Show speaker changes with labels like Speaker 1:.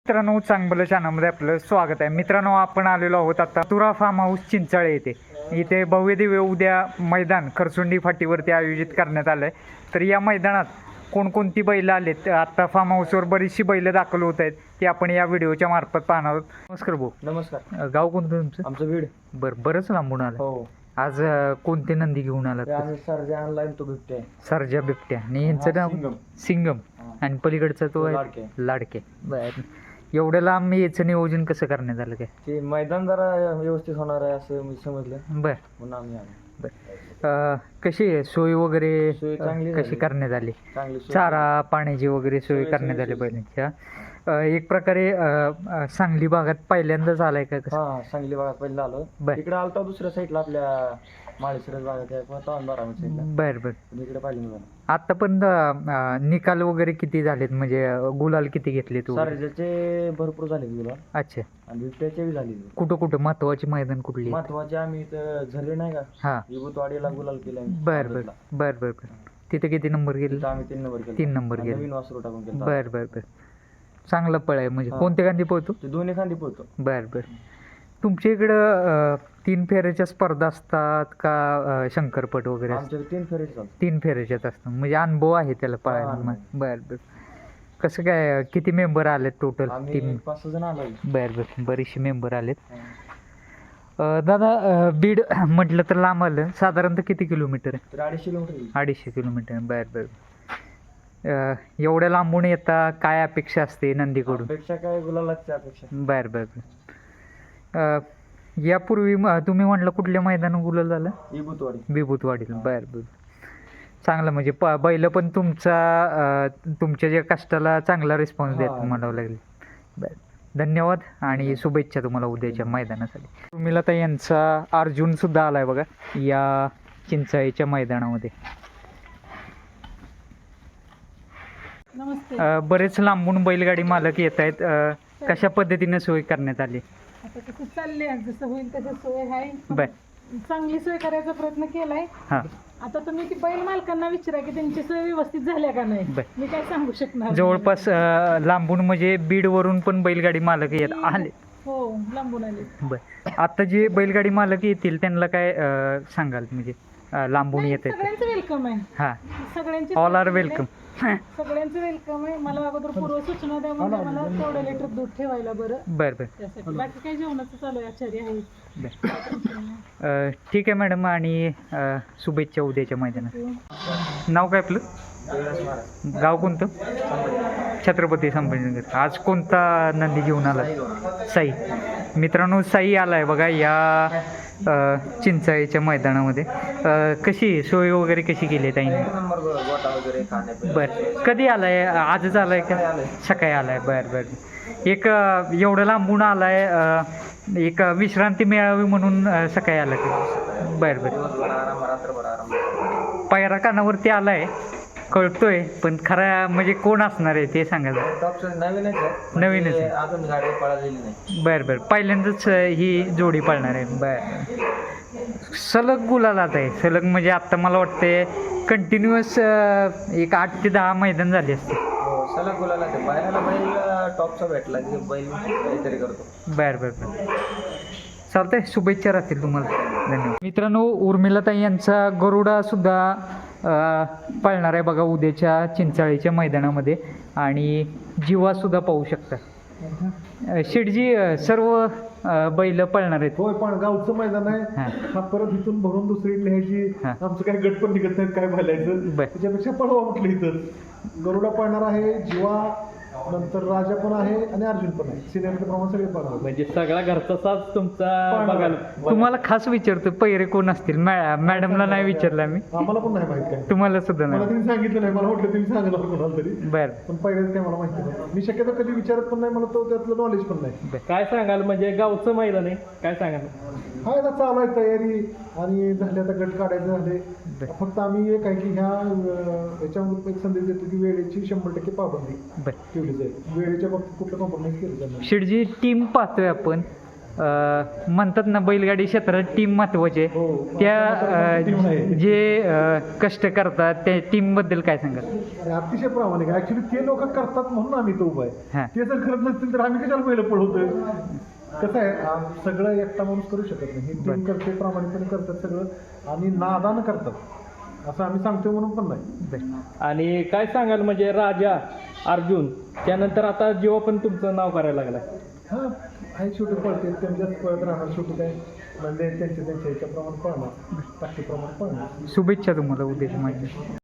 Speaker 1: मित्रांनो, चांगलं चॅनलमध्ये आपलं स्वागत आहे. मित्रांनो, आपण आलेलो आहोत आता तुरा फार्म हाऊस चिंचाळे येथे. इथे भव्य दिव्य उद्या मैदान खरसुंडी फाटीवरती आयोजित करण्यात आलं आहे. तर या मैदानात कोणकोणती बैल आलेत, आता फार्म हाऊसवर बरीचशी बैल दाखल होत आहेत, ते आपण या व्हिडिओच्या मार्फत पाहणार आहोत. नमस्कार भाऊ.
Speaker 2: नमस्कार.
Speaker 1: गाव कोणतं तुमचं?
Speaker 2: आमचं बीड.
Speaker 1: बरंच लांबून आलं.
Speaker 2: हो.
Speaker 1: आज कोणते नंदी घेऊन आलात?
Speaker 2: सर्जा ऑनलाईन तो बिबट्या आहे.
Speaker 1: सर्जा बिबट्या. आणि यांचं नाव सिंगम. आणि पलीकडचा तो आहे लाडके. बरं, एवढ्या लांब याचं नियोजन कसं करण्यात आलं काय?
Speaker 2: ते मैदान जरा व्यवस्थित होणार आहे असं मी समजलं.
Speaker 1: बर.
Speaker 2: म्हणून आम्ही आलो.
Speaker 1: कशी आहे सोय वगैरे?
Speaker 2: सोय चांगली
Speaker 1: कशी
Speaker 2: झाली.
Speaker 1: करण्यात आली?
Speaker 2: चांगली सोय.
Speaker 1: चारा पाण्याची वगैरे सोय
Speaker 2: सोय
Speaker 1: करण्यात आली
Speaker 2: सोय.
Speaker 1: बैलांच्या? एक प्रकारे सांगली भागात पहिल्यांदाच आलाय का कसं?
Speaker 2: हा, सांगली भागात पहिला आलो.
Speaker 1: बर.
Speaker 2: इकडे आलता दुसऱ्या साईडला आपल्या माळेश्वर भागात आहे, तांबारा साईडला.
Speaker 1: बर बर.
Speaker 2: इकडे पाहिजे मी.
Speaker 1: आतापर्यंत निकाल वगैरे किती झालेत, म्हणजे गुलाल किती घेतले तू?
Speaker 2: सर्जाचे भरपूर झाले तुला.
Speaker 1: अच्छा.
Speaker 2: आणि बिबट्याचे बी झाले.
Speaker 1: कुठं महत्वाची मैदान कुठली?
Speaker 2: महत्वाचे आम्ही इथं झरे नाही का,
Speaker 1: हा.
Speaker 2: विभूतवाडीला गुलाल केला.
Speaker 1: बर बर बर बर बर. तिथे किती नंबर गेले?
Speaker 2: आम्ही 3 नंबर केला.
Speaker 1: 3 नंबर गेले.
Speaker 2: नवीन वासरू टाकून केला.
Speaker 1: बर बर बर. चांगलं पळ आहे म्हणजे.
Speaker 2: हा.
Speaker 1: कोणत्या गांधी पोहतो?
Speaker 2: ते दोन्ही खांदी पोहतो.
Speaker 1: बर बर. तुमच्या इकडं 3 फेऱ्याच्या स्पर्धा असतात का शंकरपट वगैरे असतात?
Speaker 2: आमच्या 3 फेरे चालतात.
Speaker 1: 3 फेऱ्याच्याच असतात म्हणजे अनुभव आहे त्याला पळायला.
Speaker 2: हा.
Speaker 1: बर बर. कसं काय, किती मेंबर आलेत टोटल?
Speaker 2: आम्ही
Speaker 1: 3.
Speaker 2: 5-6 जण आलो.
Speaker 1: बर बर. बरेचसे मेंबर आलेत. दादा, बीड म्हटलं तर लांब आलं. साधारणतः किती किलोमीटर आहे?
Speaker 2: तर 250 किलोमीटर येईल.
Speaker 1: 250 किलोमीटर. बर बर. एवढ्या लांबून येता, काय अपेक्षा असते नंदीकडून?
Speaker 2: अपेक्षा काय, गुलालाची अपेक्षा.
Speaker 1: बर बर बर. यापूर्वी तुम्ही म्हटलं कुठल्या मैदानात गुलाल झालं?
Speaker 2: विभूतवाडी.
Speaker 1: विभूतवाडीला. बर बर. चांगलं म्हणजे बैल पण तुमच्या ज्या कष्टाला चांगला रिस्पॉन्स देत
Speaker 2: हा.
Speaker 1: म्हणावं लागेल. बर. धन्यवाद आणि शुभेच्छा तुम्हाला उद्याच्या मैदानासाठी. उर्मिलाताई यांचा अर्जुन सुद्धा आलाय बघा या चिंचाळीच्या मैदानामध्ये.
Speaker 3: नमस्ते.
Speaker 1: बरेच लांबून बैलगाडी मालक येत आहेत. कशा पद्धतीने सोय करण्यात आली?
Speaker 3: आता कसं चाललंय, जसं होईल तसं सोय आहे.
Speaker 1: बर.
Speaker 3: चांगली सोय करायचा प्रयत्न केलाय.
Speaker 1: हां.
Speaker 3: आता तुम्ही ती बैल मालकांना विचारा की त्यांची सोय व्यवस्थित झाल्या का नाही.
Speaker 1: बर.
Speaker 3: मी काय सांगू शकणार नाही.
Speaker 1: जवळपास लांबून म्हणजे बीडवरून पण बैलगाडी मालक येत आले.
Speaker 3: हो, लांबून आले.
Speaker 1: बर. आता जे बैलगाडी मालक येतील त्यांना काय सांगाल, म्हणजे लांबून येत आहेत?
Speaker 3: सगळ्यांचं वेलकम आहे.
Speaker 1: हां.
Speaker 3: सगळ्यांची
Speaker 1: ऑल आर
Speaker 3: सोय केली
Speaker 1: वेलकम.
Speaker 3: आहे. सगळ्यांचं वेलकम आहे. मला अगोदर पूर्व सूचना द्या म्हणजे मला तेवढं लिटर दूध ठेवायला बरं.
Speaker 1: बर बर.
Speaker 3: त्यासाठी बाकी काही जेवणाचं चालू आहे, आचार्य आहे.
Speaker 1: बर. ठीक आहे मॅडम, आणि शुभेच्छा उद्याच्या मैदानात. नाव काय आपलं? गाव कोणतं? छत्रपती संभाजीनगर. आज कोणता नंदी घेऊन आला? साई. मित्रांनो, साई आलाय बघा या चिंचाळीच्या मैदानामध्ये. कशी सोय वगैरे कशी केली आहे ताईने? बर. कधी आलाय? आजच आलाय का? सकाळी आलाय. बर बर. एक एवढं लांबून आलाय, एक विश्रांती मिळावी म्हणून सकाळी आला का? बर बर. पायरा कानावरती आलाय कळतोय, पण खरा म्हणजे कोण असणार आहे ते सांगा. नवीनच आहे.
Speaker 2: अजून गाडी पळालेली नाही.
Speaker 1: बर बर. पहिल्यांदाच ही जोडी पळणार आहे. बर. सलग गुलालात आहे. सलग म्हणजे आता मला वाटते कंटिन्युअस एक 8 ते 10 मैदान झाले असते.
Speaker 2: हो, सलग गुलाला ते पायऱ्याला बैल टॉपचा भेटला की बैल काहीतरी करतो.
Speaker 1: बर बर बर. चालतंय, शुभेच्छा राहतील तुम्हाला. धन्यवाद. मित्रांनो, उर्मिलाताई यांचा गरुडा सुद्धा पळणार आहे बघा उद्याच्या चिंचाळीच्या मैदानामध्ये. आणि जीवा सुद्धा पाहू शकता. शेठजी, सर्व बैल पळणार आहेत?
Speaker 4: होय, पण गावचं मैदान आहे.
Speaker 1: हां.
Speaker 4: हा परत इथून भरून दुसरी न्यायची.
Speaker 1: हां.
Speaker 4: आमचं काही गट पण निघत नाहीत, काय बोलायचं.
Speaker 1: बर.
Speaker 4: त्याच्यापेक्षा पळवा म्हटलं इथं. गरुडा पळणार आहे, जीवा, नंतर राजा पण आहे आणि अर्जुन पण आहे. सिनियर प्रमाणे सगळे पळणार.
Speaker 5: म्हणजे सगळा घरचा साथ तुमचा बघायला.
Speaker 1: तुम्हाला खास विचारतो, पैरे कोण असतील? मॅडमला नाही विचारलं मी.
Speaker 4: आम्हाला पण नाही माहित काय.
Speaker 1: तुम्हाला सुद्धा
Speaker 4: मला
Speaker 1: नाही?
Speaker 4: तिने सांगितलं नाही. मला वाटलं तुम्ही सांगणार कोणाला तरी,
Speaker 1: बर
Speaker 4: पण पहिल्याच काय मला माहिती नाही. मी शक्यतो कधी विचारत पण नाही. मला तो त्यातलं नॉलेज पण नाही.
Speaker 5: काय सांगाल, म्हणजे गावचं मैदान आहे, काय सांगाल?
Speaker 4: हा, आता चालू आहे तयारी आणि झाले, आता गट काढायचे झाले. फक्त आम्ही एक आहे की याच्यामध्ये एक संदेश देतो की वेळेची 100% पाबंदी
Speaker 1: बर.
Speaker 4: ठेवली जाईल. वेळेच्या बाबतीत कुठलं कॉम्प्रोमाइज केलं जाणार.
Speaker 1: शेठजी, टीम पाहतोय आपण. म्हणतात ना बैलगाडी क्षेत्रात टीम महत्वाची आहे.
Speaker 4: हो.
Speaker 1: त्या
Speaker 4: team आहे.
Speaker 1: जे कष्ट करतात त्या टीमबद्दल काय सांगाल?
Speaker 4: आणि अतिशय प्रामाणिक आहे. ऍक्च्युली ते लोक करतात म्हणून आम्ही तो उभा
Speaker 1: हा.
Speaker 4: आहे. ते जर करत नसतील तर आम्ही कशाला पहिलं पळवतोय. कसं आहे सगळं एकटा माणूस करू शकत नाही. ही टीम करते, प्रामाणिकपणे करतात सगळं आणि नादानं करतात असं आम्ही सांगतोय म्हणून पण नाही.
Speaker 5: आणि काय सांगाल म्हणजे राजा अर्जुन त्यानंतर आता जेव्हा पण तुमचं नाव करायला लागलाय
Speaker 4: हा आहे शेवटी पळते त्यांच्याच पळत राहणार. शेवटी काय म्हणजे त्यांच्या ह्याच्याप्रमाणे पळणार, ताकदीप्रमाणे पळणार.
Speaker 1: शुभेच्छा तुम्हाला उद्याच्या माहिती.